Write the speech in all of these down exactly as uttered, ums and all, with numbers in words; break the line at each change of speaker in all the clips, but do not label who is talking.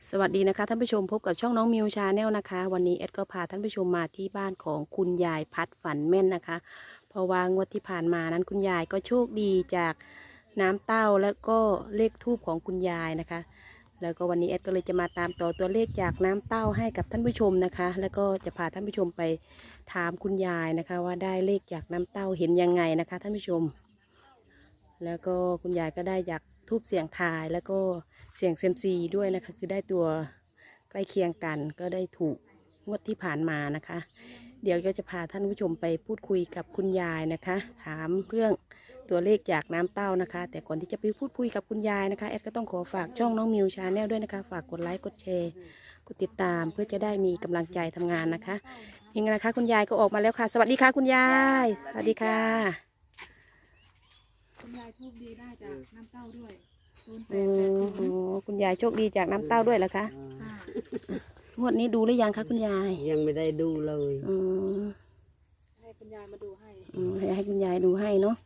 สวัสดีนะคะท่านผู้ชมพบกับช่องน้องมิวชาแนลนะคะวันนี้เอ็ดก็พาท่านผู้ชมมาที่บ้านของคุณยายพัดฝันแม่นนะคะเพราะว่างวดที่ผ่านมานั้นคุณยายก็โชคดีจากน้ำเต้าแล้วก็เลขทูบของคุณยายนะคะแล้วก็วันนี้เอ็ดก็เลยจะมาตามต่อตัวเลขจากน้ำเต้าให้กับท่านผู้ชมนะคะแล้วก็จะพาท่านผู้ชมไปถามคุณยายนะคะว่าได้เลขจากน้ำเต้าเห็นยังไงนะคะท่านผู้ชมแล้วก็คุณยายก็ได้จากทูบเสียงทายแล้วก็เสียงเซยมซีด้วยนะคะคือได้ตัวใกล้เคียงกันก็ได้ถูกงวดที่ผ่านมานะคะ เดี๋ยวก็จะพาท่านผู้ชมไปพูดคุยกับคุณยายนะคะ ถามเรื่องตัวเลขจากน้ำเต้านะคะ แต่ก่อนที่จะไปพูดคุยกับคุณยายนะคะแอดก็ต้องขอฝากช่องน้องมิวชาแนลด้วยนะคะฝากกดไลค์กดแชร์กดติดตามเพื่อจะได้มีกำลังใจทำงานนะคะยังไงนะคะคุณยายก็ออกมาแล้วค่ะสวัสดีค่ะคุณยายสวัสดีค่ะ
คุณยายโชคดีได้จากน้ำเต้าด้วยศูนย์แป
อื
ดแปด
ม
ศูนย์
คุณยายโชคดีจากน้ำเต้าด้วยเหรอคะ
ค่ะ
งวดนี้ดูหรือยังคะคุณยาย
ยังไม่ได้ดูเลย
อืม
ให้คุณยายมาดูให้
อืมให้ให้คุณยายดูให้เนาะ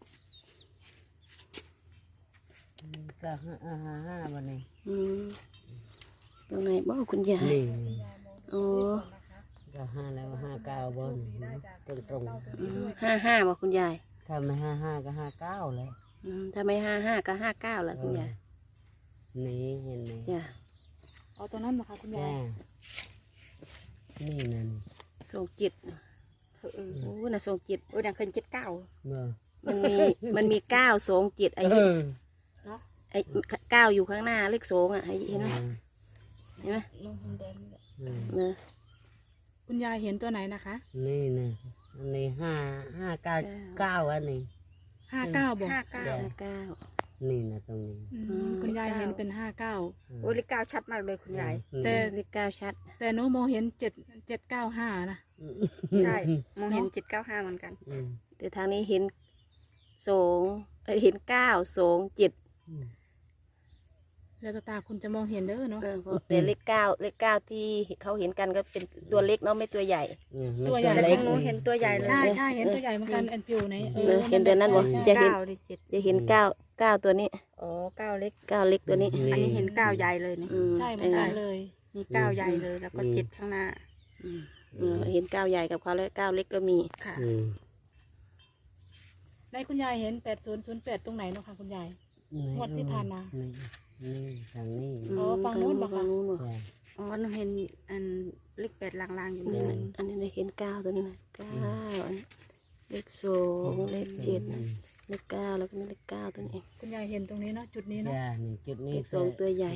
ก็ห้าห้าห้าห้าวันนี้
อืมตรงไหนบ้าคุณยาย
นี่
อ๋อ
ก็ห้าแล้วห้าเก้าบนตรงตรง
อืมห้าห้าบอกคุณยาย
ๆถ้าไม่ห้าห้าก็ห้าเก้าเลย
อืมถ้าไม่ห้าห้าก็ห้าเก้าแล้วคุณยาย
นี่เห็นไหม
จ้ะ
เอาตัวนั้นนะคะคุณยา
จ้าย นี่นั่น
ส่งจิตเออโอ้น่ะส่งจิตโอ้ดังเคยจิตเก้า
เมื่อ
มันมีมันมีเก้าส่งจิตไอ้
เออ
เนาะ
ไอ้เก้าอยู่ข้างหน้าเลขสองอ่ะเห็นไหมเห็นไหม
ลงแดงนี่แหละ
อืม
เนอะ
คุณยายเห็นตัวไหนนะคะ
นี่นะอันนี้ห้าห้าเก้าเก้าอันนี้
ห้าเก้าบอก
ห้าเก้าห้าเก้า
นี่นะตรงนี้
อืมคุณยายเห็นเป็นห้าเก้า
โอ้เลขเก้าชัดมากเลยคุณยาย
อืม
แต่
เลขเก้าชัด
แต่หนูมองเห็นเจ็ดเจ็ดเก้าห้านะ
ใช่มองเห็นเจ็ดเก้าห้าเหมือนกัน
อืม
แต่ทางนี้เห็นสองเอ้ยเห็นเก้าสองเจ็ด
อืม
แล้วตาคุณจะมองเห็นเด้อเนาะ
เออเพราะแต่เลขเก้าเลขเก้าที่เขาเห็นกันก็เป็นตัวเล็กเนาะไม่ตัวใหญ่
อืม
ตัวใหญ่
มัน
แต่
เล็
ข
ก
องหนูเห็นตัวใหญ่เลย
ใช่ใช่เห็นตัวใหญ่เหมือนกันแอนฟิวใน
เออเห็นตัวนั้นบ่
ใช่
จะเห็น
เก้าดิจิต
จะเห็นเก้าเก้าตัวนี้
อ๋อเก้าเล็ก
เก้าเล็กตัวนี้
อันนี้เห็นเก้าใหญ่เลยนี่
อืม
ใช่เหมือนกันเลย
มีเก้าใหญ่เลยแล้วก็เจ็ดข้างหน้า
อืมเออเห็นเก้าใหญ่กับเขาแล้วเก้าเล็กก็มี
ค่ะ
อืม
ในคุณยายเห็นแปดศูนย์ศูนย์แปดตรงไหนเนาะคะคุณยาย งวดที่ผ่านมา
นี่นี่ทางนี้
อ๋อฝั่งนู้นบ่คะ
ฝั่งนู้นบ่
จ้ะ
อ๋อหนูเห็นอันเลขแปดลางๆอยู่
อัน
นี่
นี้
นะ
นะอันนี้นะเห็นเก้าตัวนี้นะเก้าอันนี้เลขสองเลขเจ็ดนะเลขเก้าแล้วก็มีเลขเก้าตัวนี้เอง
คุณยายเห็นตรงนี้เนาะจุดนี้เนาะ
จ้ะนี่จุดนี้
เลขสองตัวใหญ่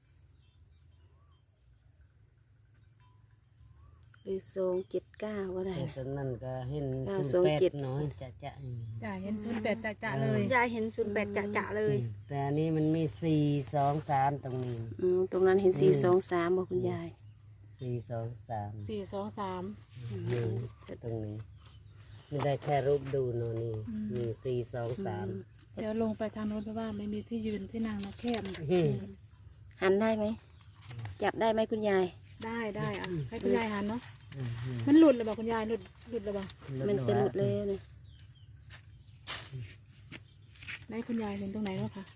เลขสองเจ็ดเก้าก็ได้
แต่
นะ
ตอนนั้นก็เห็น
เก้า
ศูน
สอง
ย์แปด
เจ็ด
น้อยจะจะอืม
จ้ะเห็นศูนย์แปดจ่าๆเลย
ยายเห็นศูนย์แปดจะๆเลย
แต่อันนี้มันมีสี่สองสามตรงนี้
อืมตรงนั้นเห็นสี่สองสามบอกคุณยาย
สี่สองสาม
สี่สองสาม
นี่ตรงนี้ไม่ได้แค่รูปดูโน่นนี่
อืม
มีสี่สองสาม
เดี๋ยวลงไปทางโน้นเพราะว่าไม่มีที่ยืนที่นั่งนะแคบ
อืม
หันได้ไหมจับได้ไหมคุณยาย
ได้ได้อ่ะให้คุณยายหันเนาะ
อืมอืม
มันหลุดเลยบอกคุณยายหลุดหลุดเลยบอก
มันจะหลุดเลยเนี่ย
ไหนคุณยายเห็นตรงไหนเนาะค่ะ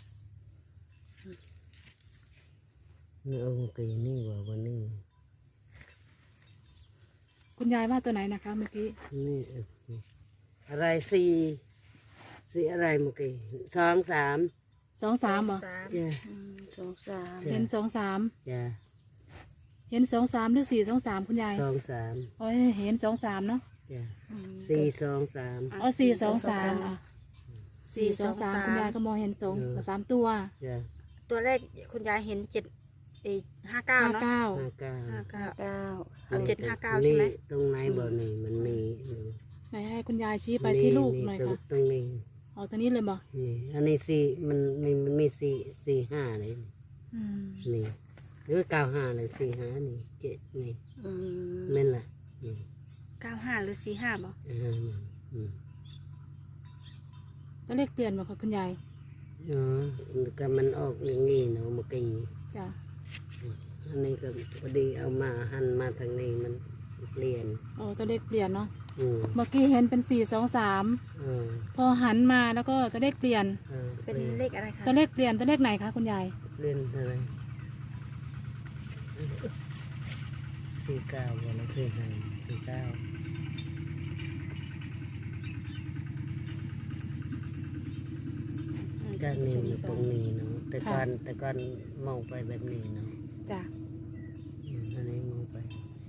นี่องค์กีนี่ว่าวันนี้
คุณยายว่าตัวไหนนะคะเมื่อกี้
นี่เอออะไรสี่สี่อะไรเมื่อกี้สองสาม
สองสามเหรอ
สาม
จ้ะ
อืมสองสาม
จ้ะ
เห็นสองสาม
จ้ะ
เห็นสองสามหรือสี่สองสามคุณยาย
สองสาม
อ๋อเห็นสองสามเนาะ
จ้ะ
อืม
สี่สองสาม
อ๋อสี่สองสามอ่ะสี่สองสามคุณยายก็มองเห็นสอง
เออ
สามตัว
จ้ะ
ตัวแรกคุณยายเห็นเจ็ดเอห้าเก้า
ห้า
เนาะ
เก้า
ห้าเก้า
ห้าเก้า
เก้า
เอาเจ็ดห้าเก้าใช่ไหม
นี่ตรงไหนบ่อนี่มันมีอยู่
ไหนให้คุณยายชี้ไปที่ลูกหน่อย
ตรง
ค่ะ
ตรงนี้
อ๋อตัวนี้เลยบอก
นี่อันนี้สี่มันมีมันมีสี่สี่ห้าเลย
อืม
นี่หรือเก้าห้าเลยสี่ห้านี่เจ็ดนี่
อืม
นั่นแหละนี่
เก้าห้าหรือสี่ห้าบ่
อ่าอืม
ตัวเลขเปลี่ยนบอกค่ะคุณยาย
อ๋อก็มันออกอย่างนี้เนาะเมื่อกี้
จ้ะ
อันนี้ก็พอดีเอามาหันมาทางนี้มันเปลี่ยน
อ๋อตัวเลขเปลี่ยนเนาะ
อืม
เมื่อกี้เห็นเป็นสี่สองสาม
เออ
พอหันมาแล้วก็ตัวเลขเปลี่ยน
เออ
เป็นเลขอะไรคะ
ตัวเลขเปลี่ยนตัวเลขไหนคะคุณยาย
เปลี่ยนอะไรสี่เก้าวันละสี่ห้าสี่เก้าก็นี่มันตรงนี้เนาะแต่ก่อนแต่ก่อนมองไปแบบนี้เนาะ
จ้ะ
อืมอันนี้มองไป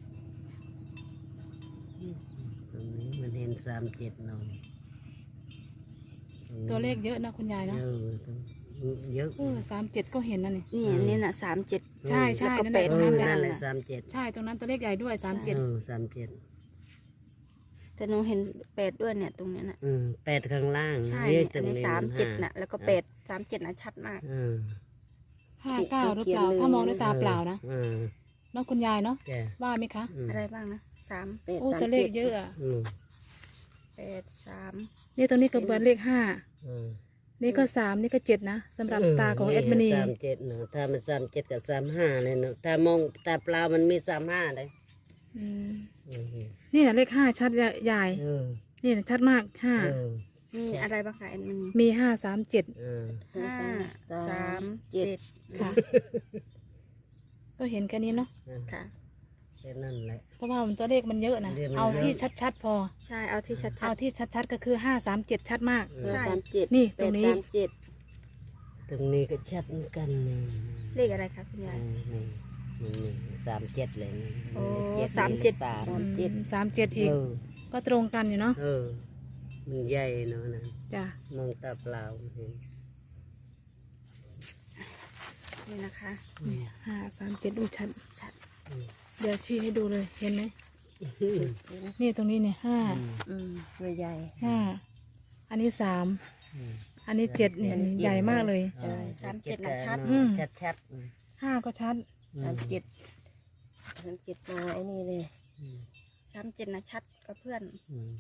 อืมตรงนี้มันเห็นสามเจ็ดเนาะตรงนี้
ตัวเลขเยอะนะคุณยายเนาะ
เยอะตรงเยอะ
เออสามเจ็ดก็เห็นนั่นนี่
นี่อันนี่น่ะสามเจ็ด
ใช่ใช่
แล้วก็
นั่น
แป
แหละ
ด
ตรงนั้นแหละ
นั่นแหละสามเจ็ด
ใช่ตรงนั้นตัวเลขใหญ่ด้วยสามเจ็ด
เออสามเจ็ด
แต่หนูเห็นแปดด้วยเนี่ยตรงเนี้ยน่ะ
อืมแปดข้างล่าง
ใช่
เย
อันนี้
ตรง
สามเจ็ด
ห้
น่ะแล้วก็แปดสามเจ็ดน่ะชัดมาก
อืม
ห้าเก้าหรือเปล่าถ้ามองด้วยตาเปล่านะ
อืม
เน้องคุณยายเนาะ
แก
ว่าไหมคะ
อืม
อะไรบ้างนะสาม
แปด
โอ้
สาม
ตัวเลข
จ็ด
เยอะอะ
อืม
แปดสาม
นี่ตรงนี้ก็เบิดเลขห้า
อืม
นี่ก็สามนี่ก็เจ็ดนะสำหรับตาของเอ็ดมินี
สามเจ็ดเนาะถ้ามันสามเจ็ดกับสามห้าเลยเนาะถ้ามองตาเปล่ามันมีสามห้าเลย
อืม
อืม
นี่นะเลขห้าชัดใหญ่
เออ
นี่นะชัดมากห้า
เออ
มีอะไรบ้างคะแอนมัน
มีห้าสามเจ็ด
เออ
ห้าสามเจ็ด
ค่ะ ก็เห็นแค่นี้เนาะ
ค่ะ
แค่นั้นแหละ
เพราะว่ามันตัวเลขมันเยอะนะ
เลขมันเยอะ
เอาที่ชัดๆพอ
ใช่เอาที่ชัด
เอาที่ชัดๆก็คือห้าสามเจ็ดชัดมาก
ห้าสามเจ็ด
นี่
แป
ตรง
ด
นี้
สามเจ็ด
ตรงนี้ก็ชัดเหมือนกันนี่
ๆเลขอะไรคะคุณยาย
นี่นี่นี่สามเจ็ดเลยนี่
โอ้
นี่
สามเจ็ด
สาม
สามเจ็ด
อืมสามเจ็ดอีก
เออ
ก็ตรงกันอยู่เนาะ
เออ มันใหญ่เนาะนะ
จ้ะ
มองตาเปล่าเห็น
นี่นะคะ
นี่ห้าสามเจ็ดดูชัด
ชัด
เดี๋ยวชี้ให้ดูเลยเห็นไหมนี่ตรงนี้เนี่ยห้า
อืมตัวใหญ่
ห้าอันนี้สาม
อืม
อันนี้เจ็ดเนี่ยใหญ่มากเลย
ใช่สามเจ็ดน่ะชัด
อืม
ชัดชัดๆอืม
ห้าก็ชัด
สามเจ็ดสามเจ็ดมาไอ้นี่เลย
อืม
สามเจ็ดน่ะชัดกับเพื่อน
อืม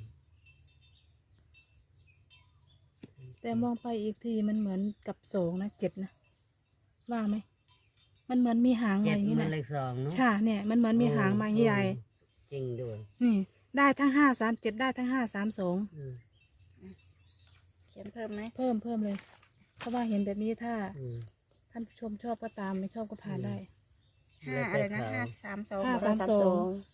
แต่มองไปอีกทีมันเหมือนกับสองนะเจ็ดนะว่าไหมมันเหมือนมีหางมา
เจ็
อ
ด
ย่างนี้
มัน
นะ
เลขสองเนาะ
ใช่เนี่ยมันเหมือนมีหางมาใหญ่
จริงด้วย
นี่ได้ทั้งห้าสามเจ็ดได้ทั้งห้าสามสอง
อืม
เขียนเพิ่มไหม
เพิ่มเพิ่มเลย เพราะว่าเห็นแบบนี้ถ้า
อืม
ท่านผู้ชมชอบก็ตามไม่ชอบก็ผ่านได้
ห้าอะไรนะห้าสามสอง
ห้า
สามสอง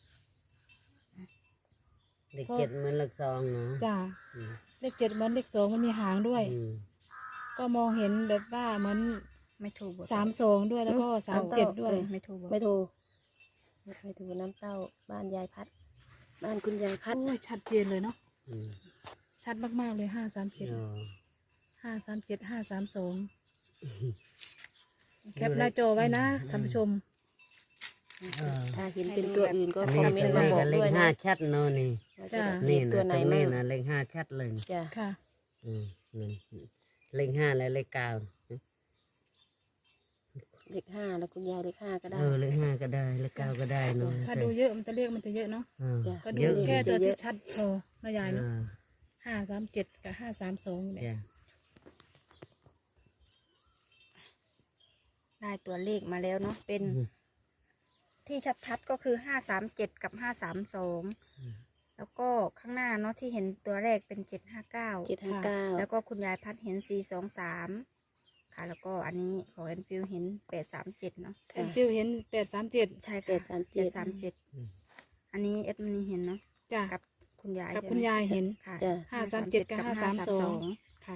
เลขเจ็ดเหมันเลขสองเนาะ
จ้า
อืม
เลขเจ็ดเหมือนเลขสองมันมีหางด้วย
อืม
ก็มองเห็นแบบว่าเหมือน
ไม่ถูกบท
สามสองด้วยแล้วก็สามเจ็ดด้วย
ไม่ถูกบท
ไม่ถูกไม่ถูกน้ำเต้าบ้านยายพัด บ้านคุณยายพัด
โอ้ยชัดเจนเลยเนาะ
อืม
ชัดมากๆเลยห้าสามเจ็ด
อ๋อ
ห้าสามเจ็ดห้าสามสองแคปหน้าจอไว้นะท่านผู้ชม
เออ
ถ้าเห็นเป็นตัวอื่นก็
อัน
ค
นี้
อมเมน
ตัว
ต์มา
นี้
บอ
ก็
ก
เล
ด้
ข
วย
ห้า
นะ
ชัดเนาะนี่
ว่าจะ
จ้ะ
เห็
นี่
น
นะ
ตัวไหน
ตรง
มั่
นี้
ง
นะเลขห้าชัดเลย
จ้ะ
ค่ะ
อืมนั่นเลขห้าและเลขเก้า
เลขห้าแล้วคุณยายเลขห้าก็ได้
เออเลขห้าก็ได้เลขเก้าก็ได้เนาะ
ถ้าดูเยอะมันจะเรียกมันจะเยอะเนาะ
เออ
จ้ะ
ก็ดู
เยอะ
แค่ตัว
เย
ที่
อะ
ชัดพอนะยายเนาะ
อ่า
ห้าสามเจ็ดกับห้าสามสองเนี่ย
จ้ะ
ได้ตัวเลขมาแล้วเนาะเป็น
อืม
ที่ชัดๆก็คือห้าสามเจ็ดกับห้าสามสองแล้วก็ข้างหน้าเนาะที่เห็นตัวแรกเป็นเจ็ดห้าเก้า
เจ็ดห้าเก้า
แล้วก็คุณยายพัดเห็นสี่สองสามค่ะ แล้วก็อันนี้ของแอนฟิลเห็นแปดสามเจ็ดเนาะ
แอนฟิวเห็นแปดสามเจ็ด
ใช่
แป
ค่ะ
ดสามเจ็ด
สามเจ็ดอันนี้เอ็ดมินีเห็นเนาะ
จ้ะ
กับคุณยาย
กับ
ใช่ไหม
คุณยายเห็น
ค่ะ
จ้ะ
ห้าสามเจ็ดกับห้าสามสองค่ะ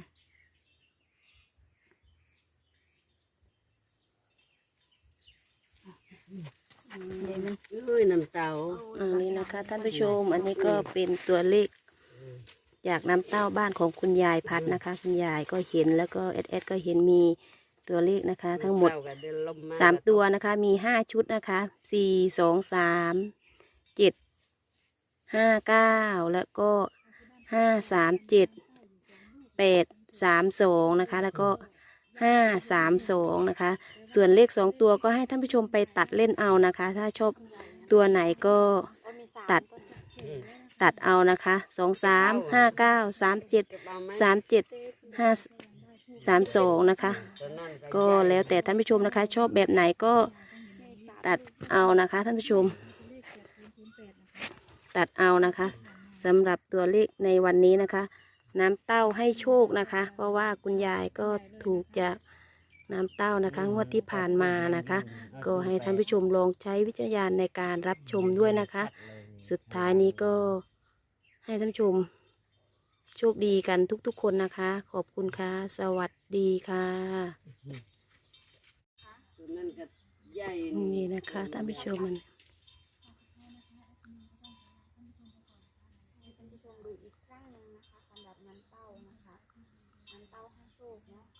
เดี๋ยวมัน
เอ้ยน้ำเต้า
อันนี้นะคะท่านผู้ชม อันนี้ก็เป็นตัวเลขจากน้ำเต้าบ้านของคุณยายพัดนะคะ คุณยายก็เห็นแล้วก็เอสเอสก็เห็นมีตัวเลขนะคะ ทั้งหมด
เต้าก็เดินลม
สามตัวนะคะ มีห้าชุดนะคะสี่สองสามเจ็ดห้าเก้าแล้วก็ห้าสามเจ็ดแปดสามสองนะคะ แล้วก็ห้าสามสองนะคะ ส่วนเลขสองตัวก็ให้ท่านผู้ชมไปตัดเล่นเอานะคะ ถ้าชอบตัวไหนก็ตัดตัดเอานะคะสองสามห้าเก้าสามเจ็ดสามเจ็ดห้าสามสองนะคะ ก็แล้วแต่ท่านผู้ชมนะคะ ชอบแบบไหนก็ตัดเอานะคะท่านผู้ชม ตัดเอานะคะสำหรับตัวเลขในวันนี้นะคะ น้ำเต้าให้โชคนะคะ เพราะว่าคุณยายก็ถูกจากน้ำเต้านะคะงวดที่ผ่านมานะคะ ก็ให้ท่านผู้ชมลองใช้วิจารณญาณในการรับชมด้วยนะคะ สุดท้ายนี้ก็ให้ท่านผู้ชมโชคดีกันทุกๆคนนะคะ ขอบคุณค่ะ สวัสดีค่ะ
ตัวนั้นก็ใหญ่
นี่นะคะท่านผู้ชมมัน
ให้ท่านผู้ชมดูอีกครั้งหนึ่งนะคะสำหรับน้ำเต้านะคะน้ำเต้าให้โชคเนาะ